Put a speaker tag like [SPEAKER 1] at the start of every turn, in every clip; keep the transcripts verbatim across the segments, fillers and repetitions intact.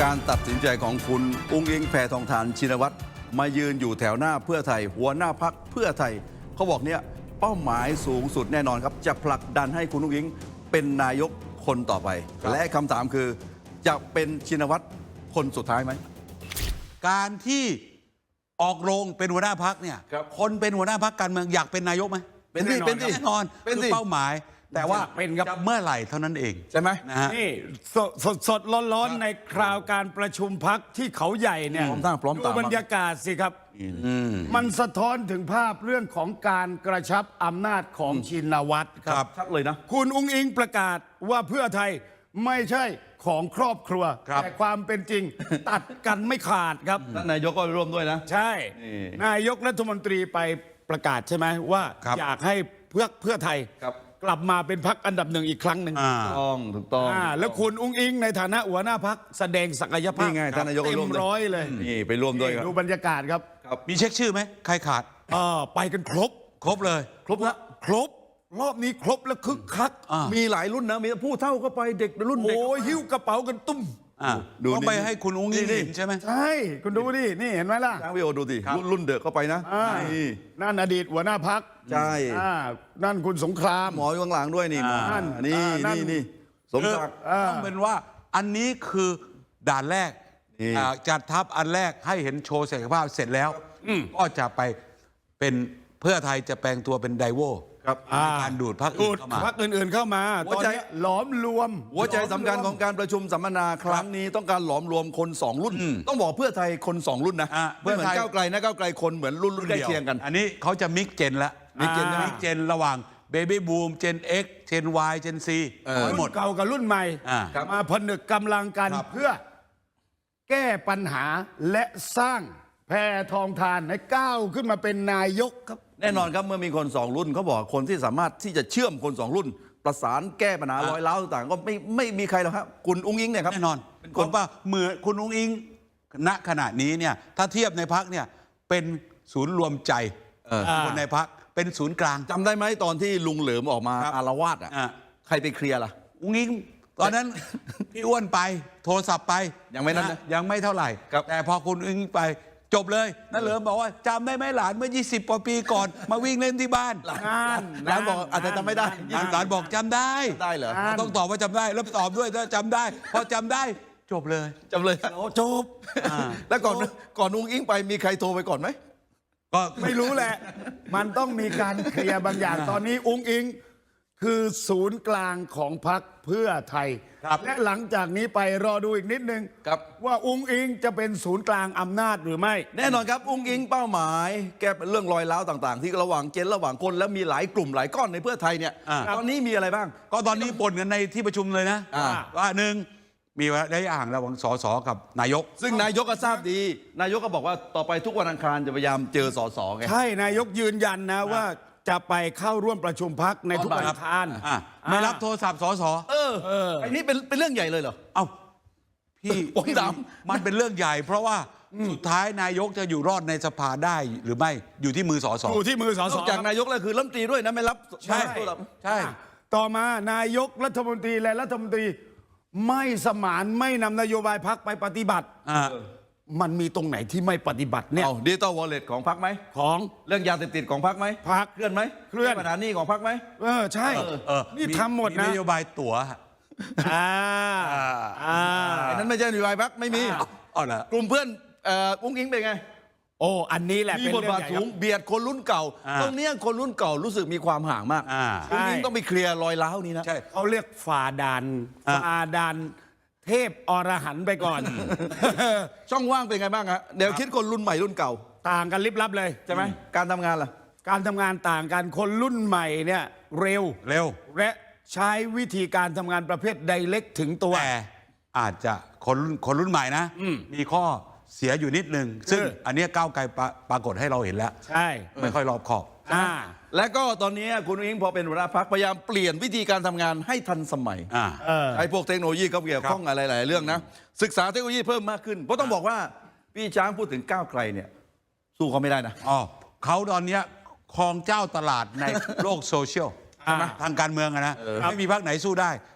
[SPEAKER 1] การตัดสินใจของคุณอุ้งอิงแพทองธารชินวัตรมายืนอยู่แถวหน้าเพื่อไทยหัวหน้าพักเพื่อไทยเขาบอกเนี่ยเป้าหมายสูงสุดแน่นอนครับจะผลักดันให้คุณอุ้งอิงเป็นนายกคนต่อไปและคำถามคือจะเป็นชินวัตรคนสุดท้ายไหม
[SPEAKER 2] การที่ออกโรงเป็นหัวหน้าพักเนี่ย คนเป็นหัวหน้าพักการเมืองอยากเป็นนายกไหม
[SPEAKER 1] เป็นสิเป็นสิ
[SPEAKER 2] แน่นอนเป็นเป้าหมายแต่ว่าเป็นจะเมื่อไหร่เท่านั้นเอง
[SPEAKER 1] ใช่ไหม
[SPEAKER 2] นะฮะ
[SPEAKER 3] นี่สดสดสดร้อนๆในคราวการประชุมพักที่เขาใหญ่เนี่ย
[SPEAKER 1] พร้อมตั้งพร้อม
[SPEAKER 3] ดู
[SPEAKER 1] ตาม
[SPEAKER 3] บรรยากาศสิครับมันสะท้อนถึงภาพเรื่องของการกระชับอำนาจของชินวัตรครับ
[SPEAKER 1] ชัดเลยนะ
[SPEAKER 3] คุณอุ้งอิงประกาศว่าเพื่อไทยไม่ใช่ของครอบครัว แต่ความเป็นจริง ตัดกันไม่ขาดครับ
[SPEAKER 1] ท่านนายกก็ร่วมด้วยนะ
[SPEAKER 3] ใช่ นายกรัฐมนตรีไปประกาศใช่ไหมว่าอยากให้เพื่อเพื่อไทยกลับมาเป็นพรรคอันดับหนึ่งอีกครั้งหนึ่ง
[SPEAKER 1] ถูกต้องถูกต้อง
[SPEAKER 3] แล้วคุณอุ้งอิงในฐานะหัวหน้าพรรคแสดงศักยภาพ
[SPEAKER 1] นี่ไงท่านนายกก็ร่วม
[SPEAKER 3] ร้อยเลย
[SPEAKER 1] นี่ไปร่วมด้วยครับ
[SPEAKER 3] ดูบรรยากาศครับ
[SPEAKER 2] มีเช็คชื่อไหมใครขาด
[SPEAKER 3] อ่าไปกันครบ
[SPEAKER 2] ครบเลย
[SPEAKER 1] ครบแล้ว
[SPEAKER 3] ครบรอบนี้ครบแล้วคึกคัก
[SPEAKER 1] มีหลายรุ่นนะมีผู้เฒ่าก็ไปเด็กรุ่นเด็ก
[SPEAKER 3] โอ้ยหิ้วกระเป๋ากันตุ้ม
[SPEAKER 2] ต้องไปให้คุณอุ้งอิงเห็นใช่ไหม
[SPEAKER 3] ใช่คุณดูดินี่เห็นไหมล่ะ
[SPEAKER 1] ช้างวิโอดูดิรุ่นเด็กเข้าไปนะ
[SPEAKER 3] นั่นอดีตหัวหน้าพัก
[SPEAKER 1] ใช่
[SPEAKER 3] นั่นคุณสงคราม
[SPEAKER 1] หมออยู่ข้างหลังด้วยนี่นั่นนี่นี่นี่สมศักดิ์
[SPEAKER 2] ต้องเป็นว่าอันนี้คือด่านแรกจัดทัพอันแรกให้เห็นโชว์ศักยภาพเสร็จแล้วก็จะไปเป็นเพื่อไทยจะแปลงตัวเป็นไดโว
[SPEAKER 1] ครับ
[SPEAKER 2] การดูดพรรคอื่นเข้ามา
[SPEAKER 3] พรรคอื่นๆเข้ามาตอนนี้หลอมรวม
[SPEAKER 1] หัวใจสำคัญของการประชุมสัมมนาครั้งนี้ต้องการหลอมรวมคนสองรุ่นต้องบอกเพื่อไทยคนสองรุ่นนะเพื่อเหมือนก้าวไกลนะก้าวไกลคนเหมือนรุ่นรุ่นใกล้เคียงกัน
[SPEAKER 2] อันนี้เขาจะมิกเจนละมิกเจนมิกเจนระหว่างเบบี้บูมเจน X เจน Y เจน C
[SPEAKER 3] หมดเก่ากับรุ่นใหม่มาผนึกกำลังกันเพื่อแก้ปัญหาและสร้างแพทองธารให้ก้าวขึ้นมาเป็นนายกครับ
[SPEAKER 1] แน่นอนครับเมื่อมีคนสองรุ่นเขาบอกคนที่สามารถที่จะเชื่อมคนสองรุ่น ประสานแก้ปัญหาร้อยล้าวต่างๆก็ไม่ไม่มีใครหรอกครับคุณอุ้งอิงเนี่ยครับ
[SPEAKER 2] แน่นอนเป็นคนว่าเหมือนคุณอุ้งอิงณขณะนี้เนี่ยถ้าเทียบในพักเนี่ยเป็นศูนย์รวมใจคนในพักเป็นศูนย์กลาง
[SPEAKER 1] จำได้ไหมตอนที่ลุงเหลิมออกมาอารวาสอ่ะใครไปเคลียร์ล่ะ
[SPEAKER 2] อุ้งอิงตอนนั้นพี่อ้วนไปโทรศัพท์ไป
[SPEAKER 1] ยังไม่นั้น
[SPEAKER 2] ยังไม่เท่าไหร่แต่พอคุณอุ้งอิงไปจบเลยนั่นเหลิมบอกว่าจำได้ไหมหลานเมื่อยี่สิบกว่าปีก่อนมาวิ่งเล่นที่บ้าน
[SPEAKER 1] หลานหลานบอกอาจจะจำไม่ได้
[SPEAKER 2] หลานบอกจำได้
[SPEAKER 1] ได้เหรอ
[SPEAKER 2] ต้องตอบว่าจำได้แล้วตอบด้วยถ้าจำได้พอจำได้จบเลย
[SPEAKER 1] จำเลย
[SPEAKER 3] จบ
[SPEAKER 1] แล้วก่อนก่อนอุ้งอิงไปมีใครโทรไปก่อนไหม
[SPEAKER 3] ก็ไม่รู้แหละมันต้องมีการเคลียร์บางอย่างตอนนี้อุ้งอิงคือศูนย์กลางของพรรคเพื่อไทยและหลังจากนี้ไปรอดูอีกนิดนึงว่าอุ้งอิงจะเป็นศูนย์กลางอำนาจหรือไม่
[SPEAKER 1] แน่นอนครับอุ้งอิงเป้าหมายแก้เรื่องรอยร้าวต่างๆที่ระหว่างเจนระหว่างคนแล้วมีหลายกลุ่มหลายก้อนในเพื่อไทยเนี่ยตอนนี้มีอะไรบ้าง
[SPEAKER 2] ก็ตอนนี้บ่นกันในที่ประชุมเลยนะว่าหนึ่งมีระยะห่างระหว่างสสกับนายก
[SPEAKER 1] ซึ่งนายกก็ทราบดีนายกก็บอกว่าต่อไปทุกวันอังคารจะพยายามเจอสสไง
[SPEAKER 3] ใช่นายกยืนยันนะว่าจะไปเข้าร่วมประชุมพักในทุกวันอังคาร
[SPEAKER 2] ไม่รับโทรศัพท์สส
[SPEAKER 1] เออไอ้นี่เป็นเป็นเรื่องใหญ่เลยเหรอ
[SPEAKER 2] เอ้าพี่ผมถามมันเป็นเรื่องใหญ่เพราะว่าสุดท้ายนายกจะอยู่รอดในสภาได้หรือไม่อยู่ที่มือสส
[SPEAKER 3] อยู่ที่มือสส
[SPEAKER 1] จากนายกแล้วคือรัฐมนตรีด้วยนะไม่รับ
[SPEAKER 3] ใช่ใช่ต่อมานายกรัฐมนตรีและรัฐมนตรีไม่สมานไม่นำนโยบายพักไปปฏิบัติมันมีตรงไหนที่ไม่ปฏิบัติเนี่ย
[SPEAKER 1] ดิจิตอลวอลเล็ตของพรรคไหม
[SPEAKER 3] ของ
[SPEAKER 1] เรื่องยาเสพติดของพรรคไหม
[SPEAKER 3] พรรค
[SPEAKER 1] เคลื่อนไหม
[SPEAKER 3] เคลื่อน
[SPEAKER 1] ปัญหานี้ของพรรคไหม
[SPEAKER 3] เออใช่นี่ทำหมดนะ
[SPEAKER 2] นโยบายตั๋ว
[SPEAKER 3] อ่า
[SPEAKER 1] อ่านั้นไม่ใช่นโยบายพรรคไม่มี
[SPEAKER 2] อ๋อเหรอก
[SPEAKER 1] ลุ่มเพื่อนอุ้งอิงเป็นไง
[SPEAKER 3] โอ้อันนี้แหละ
[SPEAKER 1] มีบทบาทสูงเบียดคนรุ่นเก่าตรงนี้คนรุ่นเก่ารู้สึกมีความห่างมากอุ้งอิงต้องไปเคลียร์รอยร้าวนี้นะ
[SPEAKER 3] เขาเรียกฝ่าด่านฝ่าด่านเทพอรหันต์ไปก่อน
[SPEAKER 1] ช่องว่างเป็นไงบ้างฮะเดี๋ยวคิดคนรุ่นใหม่รุ่นเก่า
[SPEAKER 3] ต่างกันลิบลับเลย
[SPEAKER 1] ใช่ไหมการทำงานล่ะ
[SPEAKER 3] การทำงานต่างกันคนรุ่นใหม่เนี่ยเร็ว
[SPEAKER 2] เร็ว
[SPEAKER 3] และใช้วิธีการทำงานประเภทไดเรกถึงตัว
[SPEAKER 2] แต่อาจจะคนคนรุ่นใหม่นะมีข้อเสียอยู่นิดนึงซึ่งอันนี้ก้าวไกลปรากฏให้เราเห็นแล้ว
[SPEAKER 3] ใช่
[SPEAKER 2] ไม่ค่อยรอบคอบ
[SPEAKER 1] และก็ตอนนี้คุณอุ้งอิงพอเป็นหัวหน้าพรรคพยายามเปลี่ยนวิธีการทำงานให้ทันสมัยใช้พวกเทคโนโลยีเขาเกี่ยวข้องอะไรหลายเรื่องนะศึกษาเทคโนโลยีเพิ่มมากขึ้นเพราะต้องบอกว่าพี่ช้างพูดถึงก้าวไกลเนี่ยสู้เขาไม่ได้นะ
[SPEAKER 2] อ๋อเขาตอนนี้ครองเจ้าตลาดในโลกโซเชียลทางการเมืองนะไม่มีพรรคไหนสู้ได้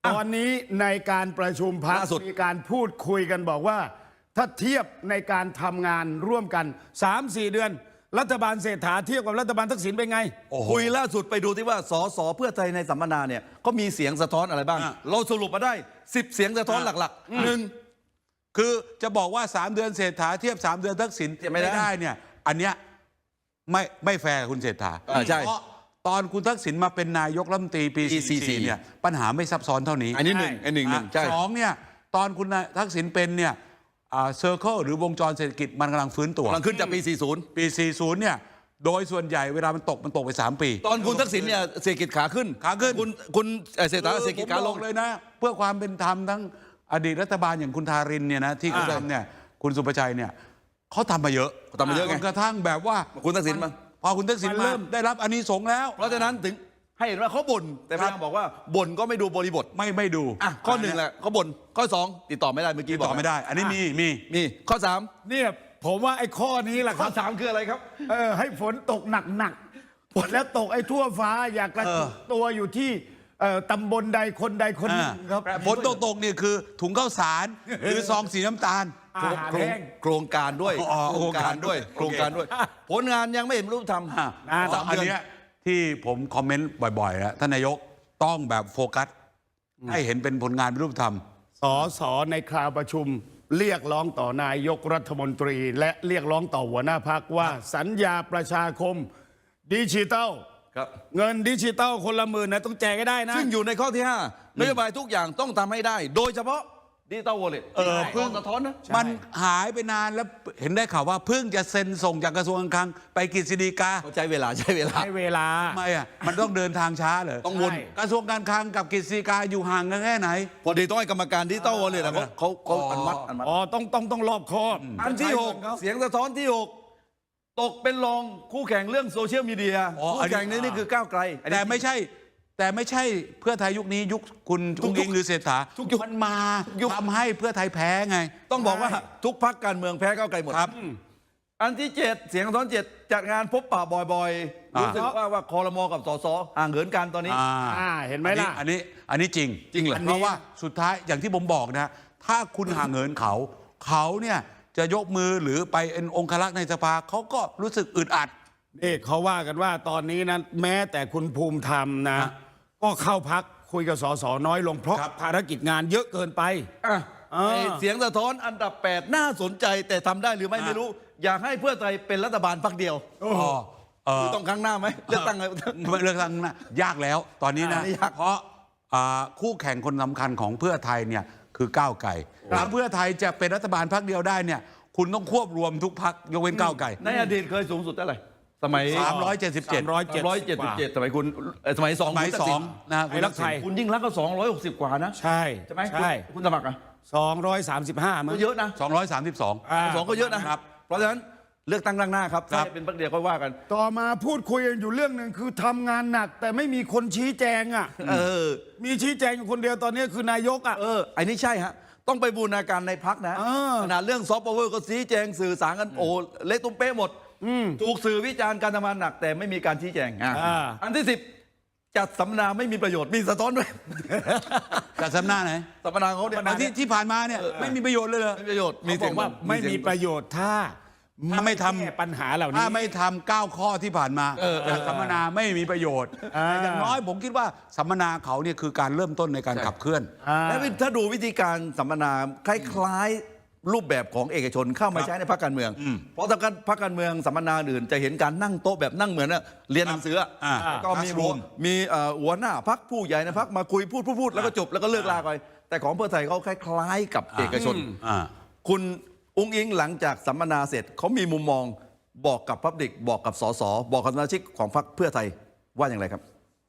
[SPEAKER 3] ตอนนี้ในการประชุมพรรค
[SPEAKER 1] ล่าสุด
[SPEAKER 3] มีการพูดคุยกันบอกว่า ถ้าเทียบในการทำงานร่วมกัน สามสี่ เดือน รัฐบาลเศรษฐาเทียบกับรัฐบาลทักษิณเป็นไง
[SPEAKER 1] คุยล่าสุดไปดูที่ว่าสสเพื่อไทยในสัมมนาเนี่ยเขามีเสียงสะท้อนอะไรบ้าง
[SPEAKER 2] อ่ะ
[SPEAKER 1] เราสรุปมาได้สิบเสียงสะท้อนหลักๆหนึ่ง
[SPEAKER 2] คือจะบอกว่าสามเดือนเศรษฐาเทียบสามเดือนทักษิณ
[SPEAKER 1] เทียบไม่ได้
[SPEAKER 2] ได้เนี่ยอันเนี้ยไม่ไม่แฟร์กับคุณเศรษฐา
[SPEAKER 1] อ่าใช่
[SPEAKER 2] เพราะตอนคุณทักษิณมาเป็นนายกรัฐมนตรีปี
[SPEAKER 1] ปีสี่สิบสี่
[SPEAKER 2] สี่เนี่ยปัญหาไม่ซับซ้อนเท่านี้
[SPEAKER 1] อันนี้หนึ่งอันหนึ่งหนึ่งใช่
[SPEAKER 2] สองเนี่ยตอนคุณทักษิณเป็นเนี่ยเซอร์เคิลหรือวงจรเศรษฐกิจมันกำลังฟื้นตัว
[SPEAKER 1] กำลังขึ้นจากปี สี่สิบ
[SPEAKER 2] ปี สี่สิบ เนี่ยโดยส่วนใหญ่เวลามันตกมันตกไป สาม ปี
[SPEAKER 1] ตอนคุณทักษิณเนี่ยเศรษฐกิจขาขึ้น
[SPEAKER 2] ขาขึ้น
[SPEAKER 1] คุณคุณเอ่อเศรษฐาเศรษฐกิจขา
[SPEAKER 2] ผม
[SPEAKER 1] ล
[SPEAKER 2] บ
[SPEAKER 1] ง
[SPEAKER 2] อกเลยนะ เพื่อความเป็นธรรมทั้งอดีตรัฐบาลอย่างคุณทารินเนี่ยนะที่เขาทำเนี่ยคุณสุประชัยเนี่ยเขาทำมาเยอะ
[SPEAKER 1] เขาทำมาเยอะไง
[SPEAKER 2] จนกระทั่งแบบว่า
[SPEAKER 1] คุณทักษิณมา
[SPEAKER 2] พอคุณทักษิณ
[SPEAKER 3] มัน
[SPEAKER 2] เริ่
[SPEAKER 3] เริ่
[SPEAKER 2] ม
[SPEAKER 3] ม
[SPEAKER 2] ได้รับอานิสงส์แล้ว
[SPEAKER 1] เพราะฉะนั้นถึงให้เห็นว่าเขาบ่นแต่พยายามบอกว่าบ่นก็ไม่ดูบริบท
[SPEAKER 2] ไม่ไม่ดู
[SPEAKER 1] อ่ะข้อหนึ่งแหละเขาบ่นข้อสองติดต่อไม่ได้เมื่อกี้
[SPEAKER 2] ติด
[SPEAKER 1] บอก
[SPEAKER 2] ต่อไม่ได้ อันนี้มีมี
[SPEAKER 1] มีข้อสาม
[SPEAKER 3] เนี่ยผมว่าไอ้ข้อนี้แหละค
[SPEAKER 1] ข้อ
[SPEAKER 3] รับ
[SPEAKER 1] สามคืออะไรครับ
[SPEAKER 3] เออให้ฝนตกหนักๆฝนแล้วตกไอ้ทั่วฟ้าอยากกระจุกตัวอยู่ที่เอ่อตำบลใดคนใดคนหนึ่งครับ
[SPEAKER 2] แต่ฝนตกตกๆเนี่ยคือถุงข้าวสารหรือซองสีน้ำตาล
[SPEAKER 3] อาหาร
[SPEAKER 1] โครง
[SPEAKER 3] แห้ง
[SPEAKER 1] โครงการด้วย
[SPEAKER 2] อ๋อ
[SPEAKER 1] โครงการด้วย
[SPEAKER 2] โอเค
[SPEAKER 1] โครงการด้วย ผลงานยังไม่เห็นรูปทำ
[SPEAKER 2] อ่ะ
[SPEAKER 3] อ่า
[SPEAKER 2] เพราะอันเนี้ยที่ผมคอมเมนต์บ่อยๆนะท่านนายกต้องแบบโฟกัส ให้เห็นเป็นผลงานเป็นรูปธรรม
[SPEAKER 3] สอสอในคราวประชุม เรียกร้องต่อนายกรัฐมนตรี และเรียกร้องต่อหัวหน้าพักว่าสัญญาประชาคมดิจิทัล
[SPEAKER 1] ครับ
[SPEAKER 3] เงินดิจิทัลคนละหมื่นนะต้องแจกให้ได้นะ
[SPEAKER 1] ซึ่งอยู่ในข้อที่ห้านโยบายทุกอย่างต้องทำให้ได้ โดยเฉพาะดิจิตอลวอลเล็ต
[SPEAKER 2] เออ
[SPEAKER 1] เพิ่งสะท้อนนะ
[SPEAKER 2] มันหายไปนานแล้วเห็นได้ข่าวว่าเพิ่งจะเซ็นส่งจากกระทรวงการคลังไปกฤษฎีกา
[SPEAKER 1] เขาใช้เวลาใช้เวลา
[SPEAKER 3] ให้เวลา
[SPEAKER 2] ทำไมอ่ะมันต้องเดินทางช้าเหรอ
[SPEAKER 1] ต้องวน
[SPEAKER 3] ใช่
[SPEAKER 2] กระทรวงการคลังกับกฤษฎีกาอยู่ห่างกันแค่ไหน
[SPEAKER 1] พอดีต้องให้กรรมการดิจิตอลวอลเล็ตเขาเขาเขาอนุมัติอนุมัติ
[SPEAKER 3] อ๋อต้องต้องต้องรอบคอบ
[SPEAKER 1] อันที่หกเสียงสะท้อนที่หกตกเป็นรองคู่แข่งเรื่องโซเชียลมีเดีย
[SPEAKER 2] อ๋ออัน
[SPEAKER 1] คู่
[SPEAKER 2] นี้
[SPEAKER 1] แข่งนี้นี่คือก้าวไกลอันนี้
[SPEAKER 2] แต่ไม่ใช่ แต่ไม่ใช่เพื่อไทยยุคนี้ยุคคุณ
[SPEAKER 1] ทุ
[SPEAKER 2] ทุ
[SPEAKER 1] ก
[SPEAKER 2] ก
[SPEAKER 1] ยุ
[SPEAKER 2] ยิ
[SPEAKER 1] ค
[SPEAKER 2] งหรือเศรษฐา
[SPEAKER 1] ทุกยุค
[SPEAKER 2] มันมา
[SPEAKER 1] ยุค
[SPEAKER 2] ทำให้เพื่อไทยแพ้ไง
[SPEAKER 1] ต้องบอกว่า
[SPEAKER 3] ใช่
[SPEAKER 1] ทุกพักการเมืองแพ้ก้าวไกลหมด
[SPEAKER 2] ครับ
[SPEAKER 1] อันที่เจ็ดเสียงสะท้อนเจ็ดจัดงานพบปะบ่อยๆ
[SPEAKER 2] อ่ารู้
[SPEAKER 1] รู้สึกว่าว่าคอรมอกับสสห่างเหินกันตอนนี้
[SPEAKER 2] อ่า
[SPEAKER 3] อ่าเห็นไหมล่ะ
[SPEAKER 2] อันนี้อันนี้จริง
[SPEAKER 1] จริงเหรอ
[SPEAKER 2] เพราะว่าสุดท้ายอย่างที่ผมบอกนะ ถ้าคุณห่างเหินเขา เขาเนี่ยจะยกมือหรือไปเป็นองครักษ์ในสภาเขาก็รู้สึกอึดอัด
[SPEAKER 3] นี่เขาว่ากันว่าตอนนี้นะแม้แต่คุณภูมิธรรมนะ
[SPEAKER 2] ฮะ
[SPEAKER 3] ก็เข้าพักคุยกับสสน้อยลงเพราะ
[SPEAKER 2] ครับ
[SPEAKER 3] ภารกิจงานเยอะเกินไป
[SPEAKER 1] อ่ะ
[SPEAKER 3] อ่า
[SPEAKER 1] ไอ้เสียงสะท้อนอันดับแปดน่าสนใจแต่ทำได้หรือไม่
[SPEAKER 2] อ่า
[SPEAKER 1] ไม่รู้ อยากให้เพื่อไทยเป็นรัฐบาลพักเดียว
[SPEAKER 2] อ๋อเออ
[SPEAKER 1] ต้องครั้งหน้าไหมเลือกตั้งไง
[SPEAKER 2] เลือกตั้งนะยากแล้วตอนนี้นะ
[SPEAKER 1] อ่านี่ยาก
[SPEAKER 2] เพราะอ่าคู่แข่งคนสำคัญของเพื่อไทยเนี่ยคือก้าวไกลถ้าเพื่อไทยจะเป็นรัฐบาลพักเดียวได้เนี่ยคุณต้องควบรวมทุกพักยกเว้นก้าวไกล
[SPEAKER 1] ในอดีตเคยสูงสุดเท่าไหร่สมัย
[SPEAKER 2] สามร้อยเจ็ดสิบเจ็ด
[SPEAKER 3] ร้อยเจ็ด
[SPEAKER 1] ร้อยเจ็ดสิบเจ็ดสมัยคุณเอ่อสมัยสอง
[SPEAKER 2] สมัย
[SPEAKER 1] คุณทั
[SPEAKER 2] ส
[SPEAKER 1] กษิ
[SPEAKER 2] อง
[SPEAKER 1] ณ
[SPEAKER 2] นะ
[SPEAKER 3] ไอ้รักไทย
[SPEAKER 1] คุณยิ่งรักษณ์ก็สองร้อยหกสิบกว่านะ
[SPEAKER 3] ใช่
[SPEAKER 1] ใช่ไหม
[SPEAKER 3] ใช่
[SPEAKER 1] คุณคุณสมัครอ่ะ
[SPEAKER 3] สองร้อยสามสิบห้ามั้
[SPEAKER 1] ก็
[SPEAKER 3] ง
[SPEAKER 1] เยอะนะ
[SPEAKER 2] สองร้อยสามสิบสอง
[SPEAKER 3] อ่า
[SPEAKER 1] สองก็เยอะนะครับ เพราะฉะนั้นเลือกตั้งล่างหน้าครับ
[SPEAKER 2] ครั
[SPEAKER 1] ถ้า
[SPEAKER 2] บ
[SPEAKER 1] ให้เป็นพักเดียวก็ว่ากัน
[SPEAKER 3] ต่อมาพูดคุยกันอยู่เรื่องหนึ่งคือทำงานหนัก แต่ไม่มีคนชี้แจงอ่ะ
[SPEAKER 1] เออ
[SPEAKER 3] มีชี้แจงอยู่คนเดียวตอนนี้คือนายกอ่ะ
[SPEAKER 1] เอออันนี้ใช่ฮะ ต้องไปบูรณาการในพักนะ
[SPEAKER 3] เออ
[SPEAKER 1] ขนาดเรื่องซอฟต์พาวเวอร์ก็ชี้แจงสื่อสารกันโอ้เละตุ้มเป๊ะหมด ถูกสื่อวิจารณ์การทำงานหนักแต่ไม่มีการชี้แจงอ่ะ
[SPEAKER 3] อ่า
[SPEAKER 1] อันที่สิบจัดสัมมนาไม่มีประโยชน์มีสะท้อนด้วย
[SPEAKER 2] จัดสัมมนาไหน
[SPEAKER 1] สัมมนาเขาเนี่ย
[SPEAKER 2] ที่ที่ผ่านมาเนี่ยไม่มีประโยชน์เลยเหรอ
[SPEAKER 1] ไม่มีประโยชน์
[SPEAKER 3] เขาบอกว่าไม่มีประโยชน์ถ้า
[SPEAKER 2] ถ้าไม่ทำ
[SPEAKER 3] แก้ปัญหาเหล่านี้
[SPEAKER 2] ถ้าไม่ทำเก้าข้อที่ผ่านมาจากสัมมนาไม่มีประโยชน์
[SPEAKER 3] อ่า
[SPEAKER 2] แต่อย่างน้อยผมคิดว่าสัมมนาเขาเนี่ยคือการเริ่มต้นในการขับเคลื่อน
[SPEAKER 3] อ่า
[SPEAKER 1] แล้วถ้าดูวิธีการสัมมนาคล้ายๆรูปแบบของเอกชนเข้ามาใช้ในพรรคการเมือง เพราะถ้าการพรรคการเมืองสัมมนาอื่นจะเห็นการนั่งโต๊ะแบบนั่งเหมือนน่ะเรียนหนังสืออ่ะ
[SPEAKER 2] อ่า
[SPEAKER 1] แล้วก็มีหัว
[SPEAKER 2] classroom
[SPEAKER 1] มีเอ่อหัวหน้าพรรคผู้ใหญ่ในพรรคมาคุยพูดพูดพูดแล้วก็จบแล้วก็เลิกลาไปแต่ของเพื่อไทยเขาคล้ายๆกับเอกชน
[SPEAKER 2] อ่า
[SPEAKER 1] คุณอุ้งอิงหลังจากสัมมนาเสร็จเขามีมุมมองบอกกับพับลิกบอกกับสสบอกกับสมาชิกของพรรคเพื่อไทยว่าอย่างไรครับ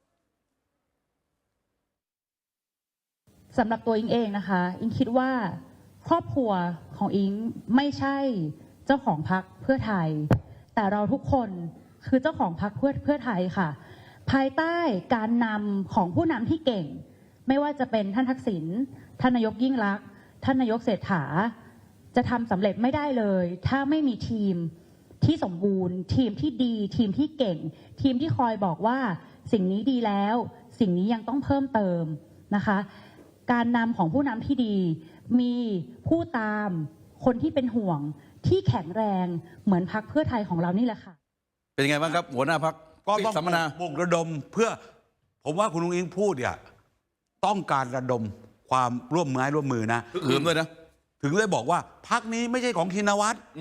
[SPEAKER 4] สำหรับตัวอิงเองนะคะ อิงคิดว่าครอบครัวของอิงไม่ใช่เจ้าของพรรคเพื่อไทย แต่เราทุกคนคือเจ้าของพรรคเพื่อเพื่อไทยค่ะ ภายใต้การนำของผู้นำที่เก่ง ไม่ว่าจะเป็นท่านทักษิณท่านนายกยิ่งลักษณ์ท่านนายกเศรษฐาจะทำสำเร็จไม่ได้เลย ถ้าไม่มีทีมที่สมบูรณ์ ทีมที่ดี ทีมที่เก่ง ทีมที่คอยบอกว่าสิ่งนี้ดีแล้ว สิ่งนี้ยังต้องเพิ่มเติมนะคะการนำของผู้นำที่ดี มีผู้ตามคนที่เป็นห่วงที่แข็งแรงเหมือนพรรคเพื่อไทยของเรานี่แหละค่ะ
[SPEAKER 1] เป็นยังไงบ้างครับ หัวหน้าพัก
[SPEAKER 2] ก็ต้อง
[SPEAKER 1] สัมมนา
[SPEAKER 2] ปลุกระดมเพื่อผมว่าคุณลุงอิงพูดเนี่ยต้องการระดมความร่วมมือร่วมมือนะ
[SPEAKER 1] หืมด้วยนะ
[SPEAKER 2] ถึงได้บอกว่าพักนี้ไม่ใช่ของชินวัตร